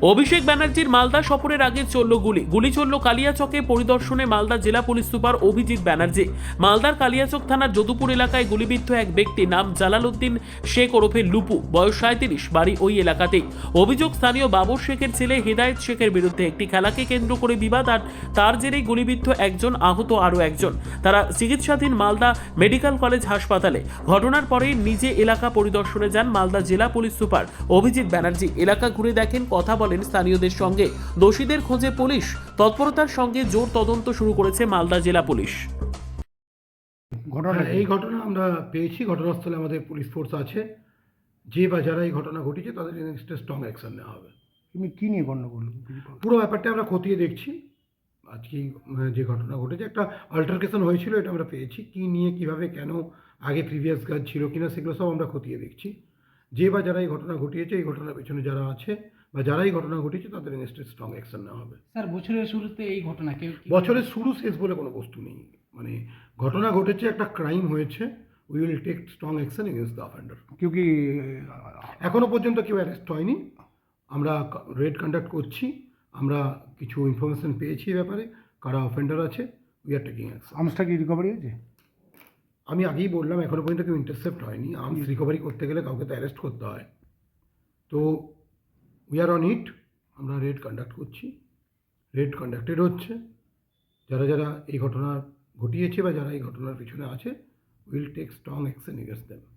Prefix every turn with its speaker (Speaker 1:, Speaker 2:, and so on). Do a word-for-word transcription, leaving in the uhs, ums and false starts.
Speaker 1: অভিষেক ব্যানার্জির মালদা সফরের আগে চলল গুলি গুলি চলল কালিয়াচকে পরিদর্শনে মালদা জেলা পুলিশ সুপার অভিজিৎ ব্যানার্জি। মালদার কালিয়াচক থানার যদুপুর এলাকায় গুলিবিদ্ধ এক ব্যক্তি নাম জালালউদ্দিন শেখ ওরফে লুপু, বয়স সাঁইত্রিশ, বাড়ি ওই এলাকাতেই। অভিযোগ স্থানীয় বাবর শেখের ছেলে হেদায়েত শেখের বিরুদ্ধে একটি খেলাকে কেন্দ্র করে বিবাদ, আর তার জেরেই গুলিবিদ্ধ একজন, আহত আরও একজন। তারা চিকিৎসাধীন মালদা মেডিকেল কলেজ হাসপাতালে। ঘটনার পরে নিজে এলাকা পরিদর্শনে যান মালদা জেলা পুলিশ সুপার অভিজিৎ ব্যানার্জি। এলাকা ঘুরে দেখেন, কথা বলেন স্থানীয়দের সঙ্গে। দোষীদের খোঁজে পুলিশ। তৎপরতার সঙ্গে জোর তদন্ত শুরু করেছে মালদা জেলা পুলিশ।
Speaker 2: ঘটনা এই ঘটনা আমরা পেয়েছি, ঘটনাস্থলে আমাদের পুলিশ ফোর্স আছে। যে বা যারা এই ঘটনা ঘটেছে তাদের এগেনস্টে স্ট্রং অ্যাকশন নেওয়া হবে।
Speaker 3: তুমি কী নিয়ে গণ্ডগোল?
Speaker 2: পুরো ব্যাপারটা আমরা খতিয়ে দেখছি। আজকে যে ঘটনা ঘটেছে, একটা অল্টারকেশন হয়েছিল, এটা আমরা পেয়েছি। কী নিয়ে, কিভাবে, কেন, আগে প্রিভিয়াস কাজ ছিল কিনা, সেগুলো সব আমরা খতিয়ে দেখছি। যে বা যারা এই ঘটনা ঘটিয়েছে, এই ঘটনার পেছনে যারা আছে বা যারা এই ঘটনা ঘটিয়েছে তাদের এগেনস্টে স্ট্রং অ্যাকশন নেওয়া হবে।
Speaker 4: স্যার, বছরের শুরুতে এই ঘটনা কেউ
Speaker 2: বছরের শুরু শেষ বলে কোনো বস্তু নেই। মানে ঘটনা ঘটেছে, একটা ক্রাইম হয়েছে, we will take strong action against the offender.
Speaker 3: কেউ কি
Speaker 2: এখনো পর্যন্ত কেউ অ্যারেস্ট হয়নি। আমরা রেড কন্ডাক্ট করছি। আমরা কিছু ইনফরমেশন পেয়েছি এই ব্যাপারে, কারা অফেন্ডার আছে। We are taking action.
Speaker 3: আর্মসটা কি রিকভারি হয়েছে?
Speaker 2: আমি আগেই বললাম, এখনো পর্যন্ত কেউ ইন্টারসেপ্ট হয়নি। আর্মস রিকভারি করতে গেলে কাউকে তো অ্যারেস্ট করতে হয়। তো উই আর অন ইট। আমরা রেড কন্ডাক্ট করছি, রেড কন্ডাক্টেড হচ্ছে। যারা যারা এই ঘটনা ঘটিয়েছে বা যারা এই ঘটনার পিছনে আছে, will take strong action against them.